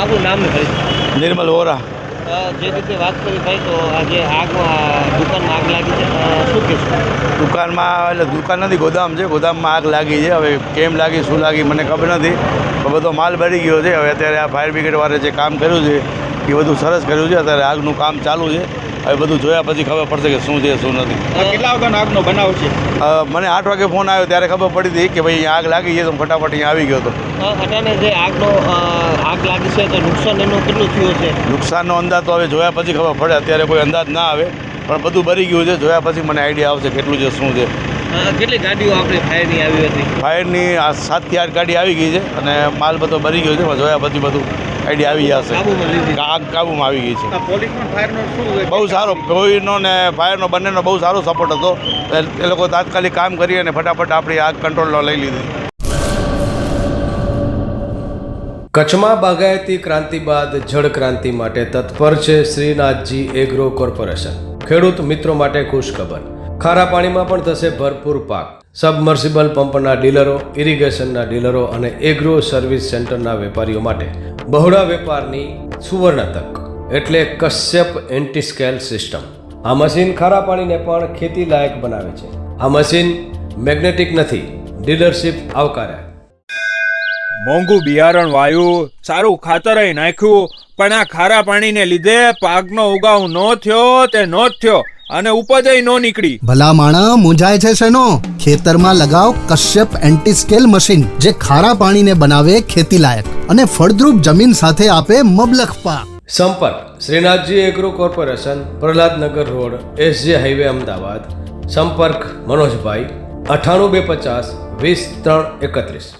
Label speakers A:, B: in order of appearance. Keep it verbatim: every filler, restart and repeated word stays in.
A: આપણું નામ ને પરિચય?
B: નિર્મલ વોરા.
A: જે રીતે વાત કરી ભાઈ તો આજે આગમાં દુકાનમાં આગ લાગી છે, શું કહેશું?
B: દુકાનમાં એટલે દુકાન નથી, ગોદામ છે. ગોદામમાં આગ લાગી છે. હવે કેમ લાગી, શું લાગી મને ખબર નથી, પણ બધો માલ બળી ગયો છે. હવે અત્યારે આ ફાયર બ્રિગેડવાળે જે કામ કર્યું છે એ બધું સરસ કર્યું છે. અત્યારે આગનું કામ ચાલુ છે. હવે બધું જોયા પછી ખબર પડશે કે શું છે શું નથી.
A: કેટલા વાગ્યાનો આગનો બનાવ છે?
B: મને આઠ વાગે ફોન આવ્યો ત્યારે ખબર પડી હતી કે ભાઈ અહીંયા આગ લાગી છે, તો હું ફટાફટ અહીંયા આવી ગયો હતો.
A: અટાણે જે આગનો આગ લાગી છે તો નુકસાન એનું કેટલું થયું છે?
B: નુકસાનનો અંદાજ તો હવે જોયા પછી ખબર પડે. અત્યારે કોઈ અંદાજ ના આવે, પણ બધું બળી ગયું છે. જોયા પછી મને આઈડિયા આવશે કેટલું છે શું છે.
A: કેટલી ગાડીઓ આપણે ફાયરની આવી હતી?
B: ફાયરની આ સાતથી આઠ ગાડી આવી ગઈ છે અને માલ બધો બળી ગયો છે. પણ જોયા પછી બધું આઈડિયા આવી જશે.
A: કાબુમાં લીધી?
B: આગ કાબુમાં આવી ગઈ છે.
A: પોલીસનો ફાયરનો શું
B: બહુ સારો, કોઈનો ને ફાયરનો બંનેનો બહુ સારો સપોર્ટ હતો. એ લોકો તાત્કાલિક કામ કરી અને ફટાફટ આપણી આગ કંટ્રોલમાં લઈ લીધી.
C: કચ્છમાં બાગાયતી ક્રાંતિ બાદ જળ ક્રાંતિ માટે તત્પર છે શ્રીનાથજી એગ્રો કોર્પોરેશન. ખેડૂત મિત્રો માટે ખુશખબર, ખારા પાણીમાં પણ થશે ભરપૂર પાક. સબમર્સિબલ પંપના ડીલરો, ઇરિગેશનના ડીલરો અને એગ્રો સર્વિસ સેન્ટરના વેપારીઓ માટે બહોળા વેપારની સુવર્ણ તક એટલે કશ્યપ એન્ટી સ્કેલ સિસ્ટમ. આ મશીન ખારા પાણીને પણ ખેતી લાયક બનાવે છે. આ મશીન મેગ્નેટિક નથી, ડીલરશીપ આવકાર્યા.
D: મોંઘું બિયારણ વાયું, સારું ખાતરય નાખ્યું, પણ આ ખારા પાણીને લીધે પાકનો ઉગાવ ન થયો તે નો જ થયો અને ઉપજય નો નીકળી.
E: ભલા માણા મૂંઝાય છે શેનો? ખેતરમાં લગાવ કશ્યપ એન્ટી સ્કેલ મશીન, જે ખારા પાણીને બનાવે ખેતી લાયક અને ફળદ્રુપ જમીન સાથે આપે મબલખ પાક.
C: સંપર્ક Shrinathji agro corporation, Prahladnagar road, SG highway, Ahmedabad. સંપર્ક મનોજભાઈ, અઠ્ઠાણું બે પચાસ વીસ ત્રણ એકત્રીસ.